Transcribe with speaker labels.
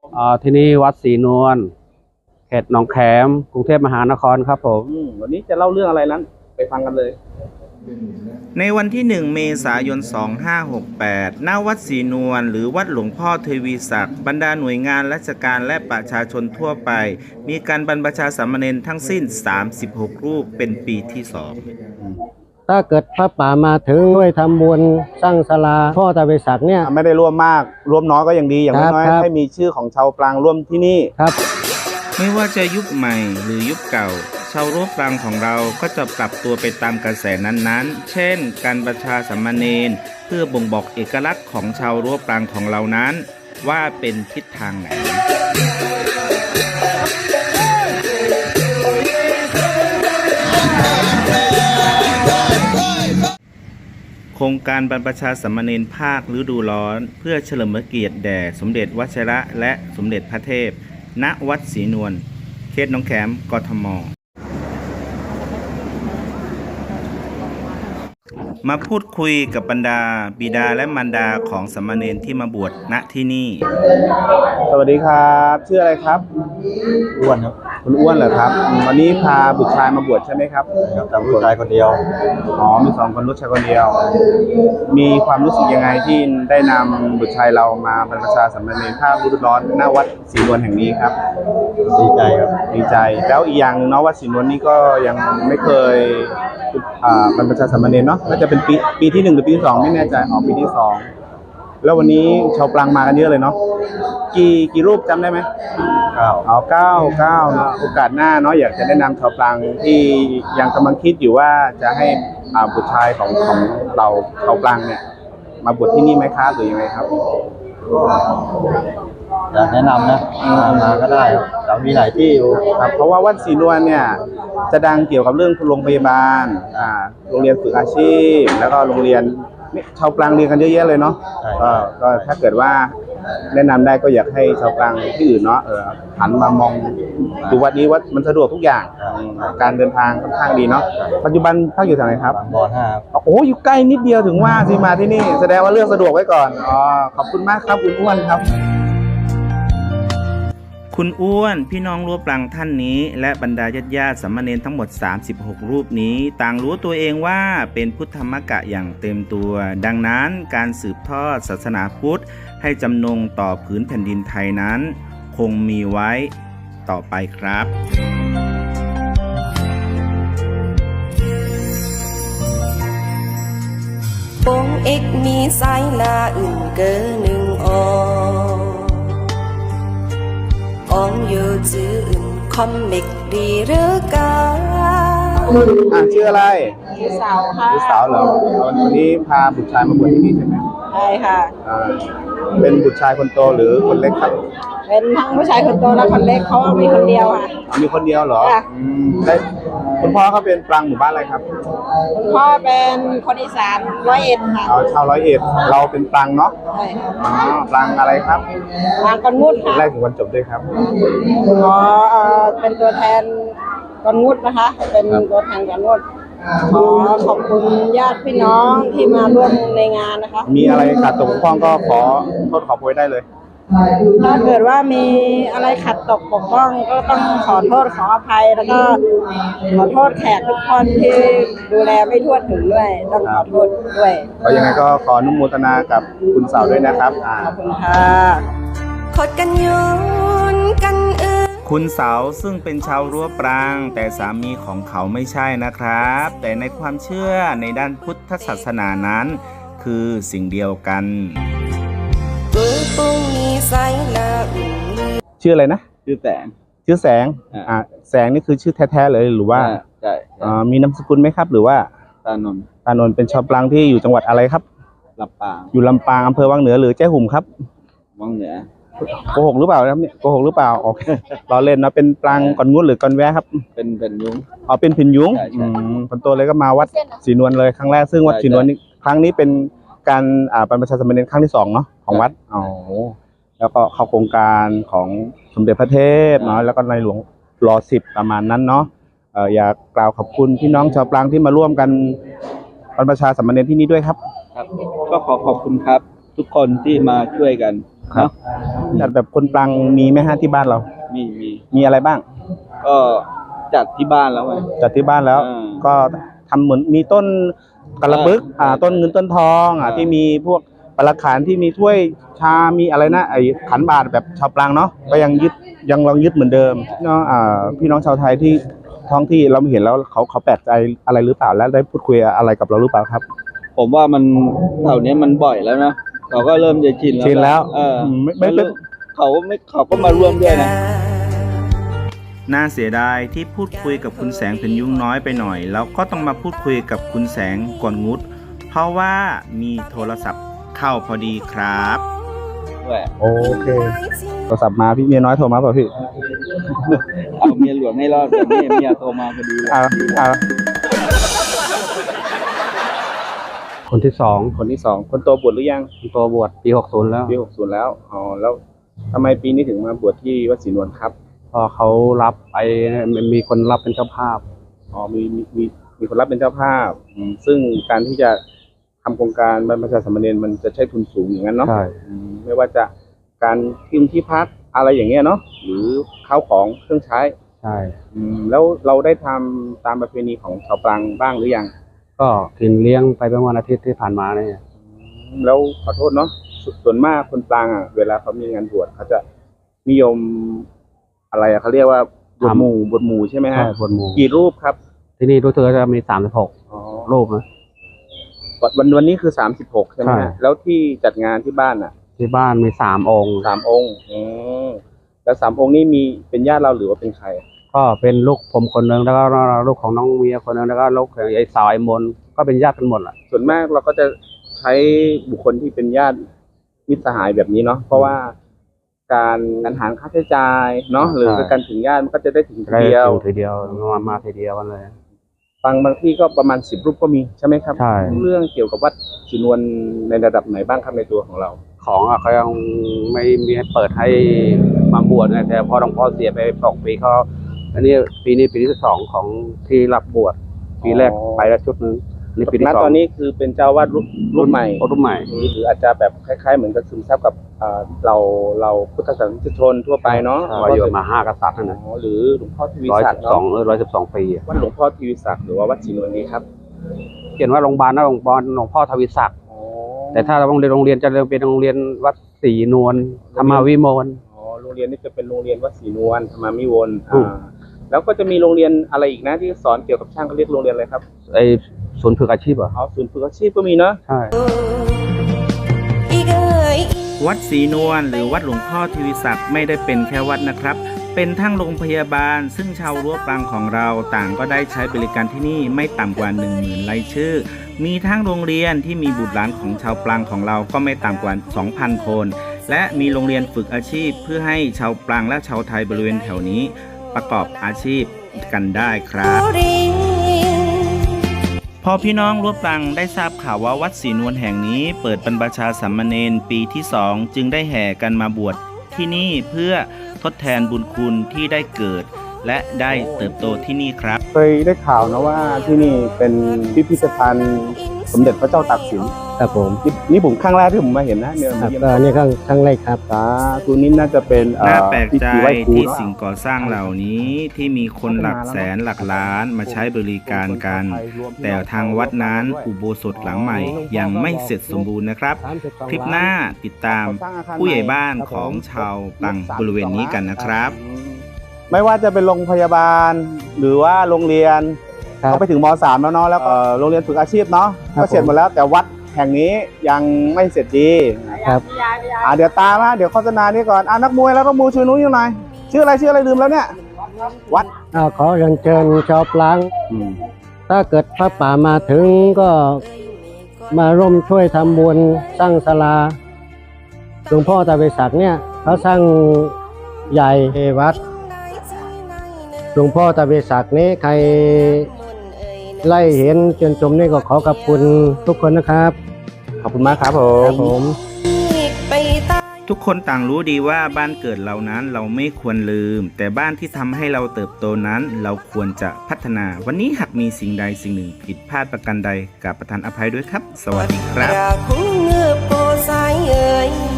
Speaker 1: ที่นี่วัดศรีนวลเขตหนองแขมกรุงเทพมหานครครับผม
Speaker 2: วันนี้จะเล่าเรื่องอะไรนั้นไปฟังกันเลย
Speaker 3: ในวันที่ 1 เมษายน 2568 ณ วัดศรีนวลหรือวัดหลวงพ่อเทวีศักดิ์บรรดาหน่วยงานราชการและประชาชนทั่วไปมีการบรรพชาสามเณรทั้งสิ้น 36 รูปเป็นปีที่ 2
Speaker 4: ถ้าเกิดพระป่ามาถึงด้วยทำบุญสร้างศาลาพ่อตาเวศักดิ์เนี่ย
Speaker 2: ไม่ได้ร่วมมากร่วมน้อยก็ยังดีอย่างน้อยให้มีชื่อของชาวปรางร่วมที่นี่
Speaker 4: ครับ
Speaker 3: ไม่ว่าจะยุคใหม่หรือยุคเก่าชาวรั้วปรางของเราก็จะปรับตัวไปตามกระแสนั้นๆเช่นการบรรพชาสามเณรเพื่อบ่งบอกเอกลักษณ์ของชาวรั้วปรางของเรานั้นว่าเป็นทิศทางไหนโครงการบรรพชาสามเณรภาคฤดูร้อนเพื่อเฉลิมพระเกียรติแด่สมเด็จวชิระและสมเด็จพระเทพณวัดศรีนวลเขตหนองแขมกทม.มาพูดคุยกับบรรดาบิดาและมารดาของสามเณรที่มาบวชณที่นี่
Speaker 2: สวัสดีครับชื่ออะไรครับ
Speaker 4: อ้วนครับ
Speaker 2: คุณอ้วนเหรอครับวันนี้พาบุตรชายมาบวชใช่ไหมครับ
Speaker 4: แต่บุตรชายคนเดียว
Speaker 2: มี2 คนลูกชายคนเดียวมีความรู้สึกยังไงที่ได้นำบุตรชายเรามาบรรพชาสามเณรภาคฤดูร้อนณวัดศรีนวลแห่งนี้ครับ
Speaker 4: ดีใจครับ
Speaker 2: ดีใจแล้วอีกอย่างนึงเนาะวัดศรีนวลนี่ก็ยังไม่เคยบรรพชาสามเณรเนาะน่าจะเป็นปีที่ 1หรือปีที่ 2ไม่แน่ใจปีที่ 2แล้ววันนี้ชาวปรางมากันเยอะเลยเนาะกี่รูปจำได้ไหม9เนาะโอกาสหน้าเนาะอยากจะแนะนำชาวปรางที่ยังกำลังคิดอยู่ว่าจะให้บุตรชายของเราชาวปรางเนี่ยมาบวชที่นี่ไหมครับหรือยังไงครับ
Speaker 4: อยากแนะนำนะมาก็ได้แต่มีหลายที่อยู่
Speaker 2: ครับเพราะว่าวัดศรีนวลเนี่ยจะดังเกี่ยวกับเรื่องโรงพยาบาลโรงเรียนฝึกอาชีพแล้วก็โรงเรียนชาวปรางเรียนกันเยอะแยะเลยเนาะก็ถ้าเกิดว่าแนะนำได้ก็อยากให้ชาวปรางที่อื่นเนาะหันมามองดูวัดนี้วัดมันสะดวกทุกอย่างการเดินทางค่อนข้างดีเนาะปัจจุบันพักอยู่ที่ไหนครับ
Speaker 4: บ5
Speaker 2: โอ้อยู่ใกล้นิดเดียวถึงว่าสิมาที่นี่แสดงว่าเลือกสะดวกไว้ก่อนขอบคุณมากครับคุณอ้วนครับ
Speaker 3: คุณอ้วนพี่น้องรั้วปรางท่านนี้และบรรดาญาติสามเณรทั้งหมด36รูปนี้ต่างรู้ตัวเองว่าเป็นพุทธมกะอย่างเต็มตัวดังนั้นการสืบทอดศาสนาพุทธให้จำนงต่อผืนแผ่นดินไทยนั้นคงมีไว้ต่อไปครับ
Speaker 5: วงเอกมีสายหน้าอื่นเกินหนึ่งอยู่จื่ออื่นคอมเมกดีหรือกา
Speaker 2: ชื่ออะไร
Speaker 5: ชื่อสาวค่ะ
Speaker 2: ชื่อสาวเหรอวันนี้พาบุตรชายมาบวชที่นี่ใช่ไหม
Speaker 5: ใช่ค่ะ
Speaker 2: เป็นบุตรชายคนโตหรือคนเล็กครับ
Speaker 5: เป็นทั้งผู้ชายคนโตและคนเล็กเขามีคนเดียวค่ะ
Speaker 2: มีคนเดียวเหรอได้คุณพ่อเขาเป็นปรางหมู่บ้านอะไรครับ
Speaker 5: คุณพ่อเป็นคนอีสาน101ค่ะ
Speaker 2: ชาว101เราเป็นปรางเนาะ
Speaker 5: ใช่ค่ะ
Speaker 2: ปรางอะไรครับ
Speaker 5: ปรางกอนงุดค่ะ
Speaker 2: แรกถึงวันจบด้วยครับ
Speaker 5: เป็นตัวแทนกอนงุดนะคะเป็นตัวแทนกอนงุดขอบคุณญาติพี่น้องที่มาร่วมในงานนะคะ
Speaker 2: มีอะไรขาดตกบกพร่องก็ขอโทษขอโพยได้เลย
Speaker 5: ถ้าเกิดว่ามีอะไรขัดตกบกพร่องก็ต้องขอโทษขออภัยแล้วก็ขอโทษแขกทุกคนที่ดูแลไม่ทั่วถึงด้วยต้องขอโทษด้วย
Speaker 2: ก็ยังไงก็ขออนุโมทนากับคุณสาวด้วยนะครับ
Speaker 5: ขอบคุณค่ะขดกันยุนกัน
Speaker 3: คุณเสาซึ่งเป็นชาวรั้วปรางแต่สามีของเขาไม่ใช่นะครับแต่ในความเชื่อในด้านพุทธศาสนานั้นคือสิ่งเดียวกัน
Speaker 2: ชื่ออะไรนะชื่อแสงแสงนี่คือชื่อแท้ๆเลยหรือว่า
Speaker 4: ใช่
Speaker 2: มีนามสกุลไหมครับหรือว่า
Speaker 4: ตาน
Speaker 2: นท์เป็นชาวปรางที่อยู่จังหวัดอะไรครับ
Speaker 4: ลำปาง
Speaker 2: อยู่ลำปางอำเภอวังเหนือหรือแจ้หุ่มครับ
Speaker 4: วังเหนือ
Speaker 2: โกหกหรือเปล่าครับเนี่ยโกหกหรือเปล่าโอเคเราเล่นนะเป็นปรางก่อนงุ้นหรือก่อนแวะครับ
Speaker 4: เป็นยุ้ง
Speaker 2: เป็นพินยุ้งคนโตเลยก็มาวัดศรีนวลเลยครั้งแรกซึ่งวัดศรีนวลนี่ครั้งนี้เป็นการบรรพชาสามเณรครั้งที่2เนาะของวัดแล้วก็เข้าโครงการของสมเด็จพระเทพเนาะแล้วก็ในหลวงร.10ประมาณนั้นเนาะอยากกล่าวขอบคุณพี่น้องชาวปรางที่มาร่วมกันบรรพชาสามเณรที่นี่ด้วยครับ
Speaker 4: ก็ขอบคุณครับทุกคนที่มาช่วยกัน
Speaker 1: ครับ
Speaker 2: จัดแบบคนปลังมีไหมฮะที่บ้านเรา
Speaker 6: มี
Speaker 2: มีอะไรบ้าง
Speaker 6: ก็จัดที่บ้านแล้วไง
Speaker 2: จัดที่บ้านแล้ว
Speaker 6: อ่า
Speaker 2: ก็ทำเหมือนมีต้นกระบึกต้นเงินต้นทองที่มีพวกปลาขันที่มีถ้วยชา มีอะไรนะไอ้ขันบาตรแบบชาวปรางเนาะก็ยังลองยึดเหมือนเดิมเนาะพี่น้องชาวไทยที่ท้องที่เราเห็นแล้วเขาแปลกใจอะไรหรือเปล่าแล้วได้พูดคุยอะไรกับเราหรือเปล่าครับ
Speaker 6: ผมว่ามันแถวเนี้ยมันบ่อยแล้วนะเขาก็เริ่มจะชินแล้ว
Speaker 2: ชินแล้ว
Speaker 6: ไม่เป็นเขาก็มาร่วมด้วยนะ
Speaker 3: น่าเสียดายที่พูดคุยกับคุณแสงเป็นยุ่งน้อยไปหน่อยแล้วก็ต้องมาพูดคุยกับคุณแสงก่อนงุด เพราะว่ามีโทรศัพท์เข้าพอดีครับ
Speaker 2: โอเคโทรศัพท์มาพี่เมียน้อยโทรมาเปล่าพี่
Speaker 6: เอาเมียหลวงให้รอดแต่เมียโทรมาพอดีเลย
Speaker 1: คนที่สอง
Speaker 2: คนที่สองคนโตบวชหรือยัง
Speaker 1: ตัวบวชปี60แล้ว
Speaker 2: ปี60แล้วอ๋อแล้วทำไมปีนี้ถึงมาบวชที่วัดศรีนวลครับ
Speaker 1: พอเขารับไปมีคนรับเป็นเจ้าภาพ
Speaker 2: อ๋อมีคนรับเป็นเจ้าภาพซึ่งการที่จะทำโครงการบรรพชาสามเณรมันจะใช้ทุนสูงอย่างนั้นเนาะ
Speaker 1: ใช่
Speaker 2: ไม่ว่าจะการกินที่พักอะไรอย่างเงี้ยเนาะหรือข้าวของเครื่องใช้
Speaker 1: ใช่
Speaker 2: แล้วเราได้ทำตามประเพณีของชาวปรางบ้างหรือยัง
Speaker 1: ก็กินเลี้ยงไปเมื่อวันอาทิตย์ที่ผ่านมาเนี่ย
Speaker 2: แล้วขอโทษเนาะส่วนมากคนปรางเวลาเขามีงานบวชเขาจะนิยมอะไรเขาเรียกว่าบวชหมู่ใช่ไหมฮะ
Speaker 1: ใช่บวชหมู่
Speaker 2: กี่รูปครับ
Speaker 1: ที่นี่รู้สึกว่าจะมี36
Speaker 2: อ๋อ
Speaker 1: รูปนะ
Speaker 2: วันนี้คือ36ใช่ไหม
Speaker 1: ใช่
Speaker 2: ฮะแล้วที่จัดงานที่บ้าน
Speaker 1: ที่บ้านมี3 องค์
Speaker 2: 3 องค์แล้ว3 องค์นี้มีเป็นญาติเราหรือว่าเป็นใคร
Speaker 1: ก็เป็นลูกผมคนหนึ่งแล้วก็ลูกของน้องเมียคนหนึ่งแล้วก็ลูกของไอ้สาวไอ้มนก็เป็นญาติกันหมดแหละ
Speaker 2: ส่วนมากเราก็จะใช้บุคคลที่เป็นญาติมิตรสหายแบบนี้เนาะเพราะว่าการหารค่าใช้จ่ายเนาะหรือการถึงญาติมันก็จะได้ถึงทีเดียว
Speaker 1: ทีเดียวมาทีเดียวกันเลย
Speaker 2: บางที่ก็ประมาณ10 รูปก็มีใช่ไหมครับ
Speaker 1: ใช่
Speaker 2: เรื่องเกี่ยวกับวัดศรีนวลในระดับไหนบ้างครับในตัวของเรา
Speaker 1: ของเขายังไม่มีให้เปิดให้มาบวชไงแต่พอหลวงพ่อเสียไป2 ปีเขาอันนี้ปีนี้ปีที่2ของที่รับบวชปีแรกไปแล้วชุดนึงนี่ปีที่
Speaker 2: ณ
Speaker 1: 2
Speaker 2: ตอนนี้คือเป็นเจ้าวาดรุ่นใหม่
Speaker 1: รุ่นใหม่
Speaker 2: หรืออาจจะแบบคล้ายๆเหมือนกับซึมซับกับเราพุทธศาสนิกชนทั่วไปเนาะ
Speaker 1: ว่าอยู่มา5 กษัตริย์นะ
Speaker 2: หรือหลวงพ่อทวีศักดิ์เนาะ
Speaker 1: 112 ปี
Speaker 2: วัดหลวงพ่อทวีศักดิ์หรือว่าวัดศรีนวลนี้ครับ
Speaker 1: เขียนว่าโรงพยาบาลหลวงพ่อทวีศักดิ์แต่ถ้าโรงเรียนจะเป็นโรงเรียนวัดศรีนวลธรรมวิมล
Speaker 2: โรงเรียนนี้จะเป็นโรงเรียนวัดศรีนวลธรรมามิวลแล้วก็จะมีโรงเรียนอะไรอีกนะที่สอนเกี่ยวกับช่างเขาเรียกโรงเรียนอะไรครับ
Speaker 1: ไอ้ศูนย์ฝึกอาชีพเหรอ
Speaker 2: ศูนย์ฝึกอาชีพก็มีเนาะ
Speaker 1: ใช่
Speaker 3: วัดศรีนวลหรือวัดหลวงพ่อทวีศักดิ์ไม่ได้เป็นแค่วัดนะครับ เป็นทั้งโรงพยาบาลซึ่งชาวรั้วปรางของเราต่างก็ได้ใช้บริการที่นี่ไม่ต่ำกว่า 10,000 รายชื่อ มีทั้งโรงเรียนที่มีบุตรหลานของชาวปรางของเราก็ไม่ต่ำกว่า 2,000 คน และมีโรงเรียนฝึกอาชีพเพื่อให้ชาวปรางและชาวไทยบริเวณแถวนี้ประกอบอาชีพกันได้ครับ พอพี่น้องรั้วปรางได้ทราบข่าวว่าวัดศรีนวลแห่งนี้เปิดบรรพชาสามเณรปีที่ 2จึงได้แห่กันมาบวชที่นี่เพื่อทดแทนบุญคุณที่ได้เกิด และได้เติบโตที่นี่ครับ
Speaker 2: เคยได้ข่าวนะว่าที่นี่เป็นพิพิธภัณฑ์สมเด็จพระเจ้าตากสิน
Speaker 4: ครับผม
Speaker 2: นี่ผมครั้งแรกที่ผมมาเห็นนะเนี่ย
Speaker 4: ครับก็นี่ครั้งแรกครับ
Speaker 2: สาธุนี้น่าจะเป็น
Speaker 3: น่าแปลกใจ
Speaker 2: พิธีไหว้ครู
Speaker 3: ที่
Speaker 2: เนอะ
Speaker 3: สิ่งก่อสร้างเหล่านี้ที่มีคนหลักแสนหลักล้านมาใช้บริการกัน แต่ทางวัดนั้นอุโบสถหลังใหม่ยังไม่เสร็จสมบูรณ์นะครับ คลิปหน้าติดตามผู้ใหญ่บ้านของชาวปรางบริเวณนี้กันนะครับ
Speaker 2: ไม่ว่าจะเป็นโรงพยาบาลหรือว่าโรงเรียน
Speaker 4: ครับ
Speaker 2: เขาไปถึงม.3 แล้วเนาะแล้วก็โรงเรียนฝึกอาชีพเนาะ
Speaker 4: ครับ
Speaker 2: ก็เสร็จหมดแล้วแต่วัดแห่งนี้ยังไม่เสร็จดี
Speaker 4: ครับ
Speaker 2: เดี๋ยวตามมาเดี๋ยวโฆษณานี้ก่อนนักมวยแล้วนักมวยช่วยนู้นอยู่หน่อยชื่ออะไรลืมแล้วเนี่ยวัด
Speaker 4: ขอเรียนเชิญชาวปราง ถ้าเกิดพระป่ามาถึงก็มาร่วมช่วยทำบุญสร้างศาลาหลวงพ่อตาเวศักดิ์เนี่ยเขาสร้างใหญ่วัดหลวงพ่อตาเวศักดิ์นี้ใครไล่เห็นจนชมนี่ก็ขอขอบคุณทุกคนนะครับ
Speaker 2: ขอบคุณมากครับผ
Speaker 4: ครั
Speaker 2: ม
Speaker 4: บผม
Speaker 3: ทุกคนต่างรู้ดีว่าบ้านเกิดเรานั้นเราไม่ควรลืม แต่บ้านที่ทำให้เราเติบโตนั้นเราควรจะพัฒนา วันนี้หากมีสิ่งใดสิ่งหนึ่งผิดพลาดประการใดกราบประทานอภัยด้วยครับ สวัสดีครับ
Speaker 7: ราคงเงือบโปสายเอ่ย